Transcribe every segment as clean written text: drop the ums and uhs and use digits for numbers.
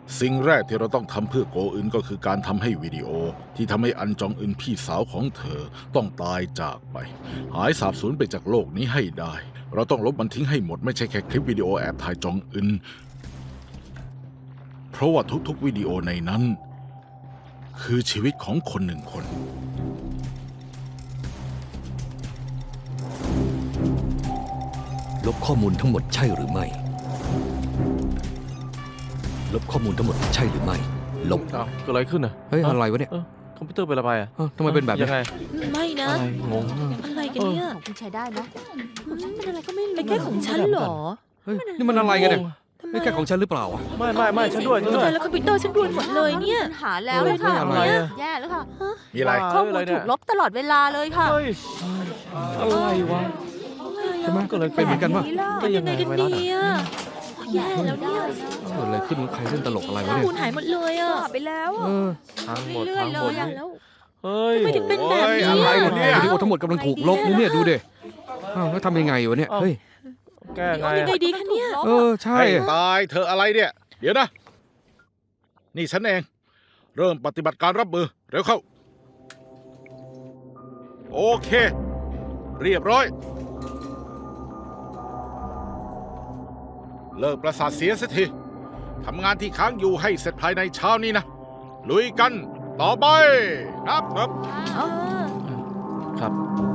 สิ่งแรกที่เราต้องทำเพื่อโกอึนก็คือการทำให้วิดีโอที่ทำให้อันจองอึนพี่สาวของเธอต้องตายจากไปหายสาบสูญไปจากโลกนี้ให้ได้เราต้องลบมันทิ้งให้หมดไม่ใช่แค่คลิปวิดีโอแอบถ่ายจองอึนเพราะว่าทุกๆวิดีโอในนั้นคือชีวิตของคนหนึ่งคนลบข้อมูลทั้งหมดใช่หรือไม่ลบข้อมูลทั้งหมดใช่หรือไม่ลบอ้าวเกิดอะไรขึ้นอ่ะเฮ้ยอะไรวะเนี่ยคอมพิวเตอร์เป็นอะไรอ่ะทำไมเป็นแบบนี้ยังไงไม่นะอะไรงงอะไรกันเนี่ยของคุณใช้ได้นะของฉันเป็นอะไรก็ไม่รู้เป็นแค่ของฉันเหรอเฮ้ยนี่มันอะไรกันเนี่ยทำไมนี่แค่ของฉันหรือเปล่าอะไม่ฉันด้วยทำไมแล้วคอมพิวเตอร์ฉันรวนหมดเลยเนี่ยปัญหาแล้วเลยค่ะอะไรอะแย่แล้วค่ะมีอะไรข้อมูลถูกลบตลอดเวลาเลยค่ะเฮ้ยอะไรวะใช่ไหมก็เลยเป็นเหมือนกันปะทำยังไงกันดีอ่ะแย่แล้วเนี่ยเกิดอะไรขึ้นใครเล่นตลกอะไรข้อวะเนี่ยมูลหายหมดเลยอ่ะไปแล้วอะเออทั้งหมดเรื่อยทั้งๆหมดเลยอะแล้วเฮ้ยทำไมถึงเป็นแบบนี้อะไรวะเนี่ยวิดีโอทั้งหมดกำลังถูกลบนี่เนี่ยดูดิอ้าวแล้วทำยังไงวะเนี่ยเฮ้ยแก้ไงยังไงดีคะเนี่ยเออใช่ให้ตายเธออะไรเนี่ย เดี๋ยวนะ นี่ฉันเอง เริ่มปฏิบัติการรับมือ เร็วเข้า โอเค เรียบร้อย เลิกประสาทเสียสักทีทำงานที่ค้างอยู่ให้เสร็จภายในเช้านี้นะ ลุยกัน ต่อไปนับครับครับ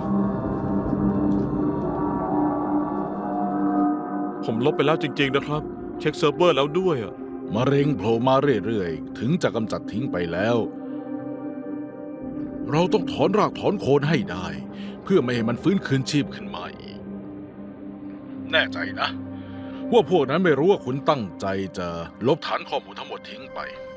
ผมลบไปแล้วจริงๆนะครับ เช็คเซิร์ฟเวอร์แล้วด้วยอ่ะมะเร็งโผล่มาเรื่อยๆ ถึงจะกำจัดทิ้งไปแล้ว เราต้องถอนรากถอนโคนให้ได้ เพื่อไม่ให้มันฟื้นคืนชีพขึ้นมาอีก แน่ใจนะ ว่าพวกนั้นไม่รู้ว่าคุณตั้งใจจะลบฐานข้อมูลทั้งหมดทิ้งไป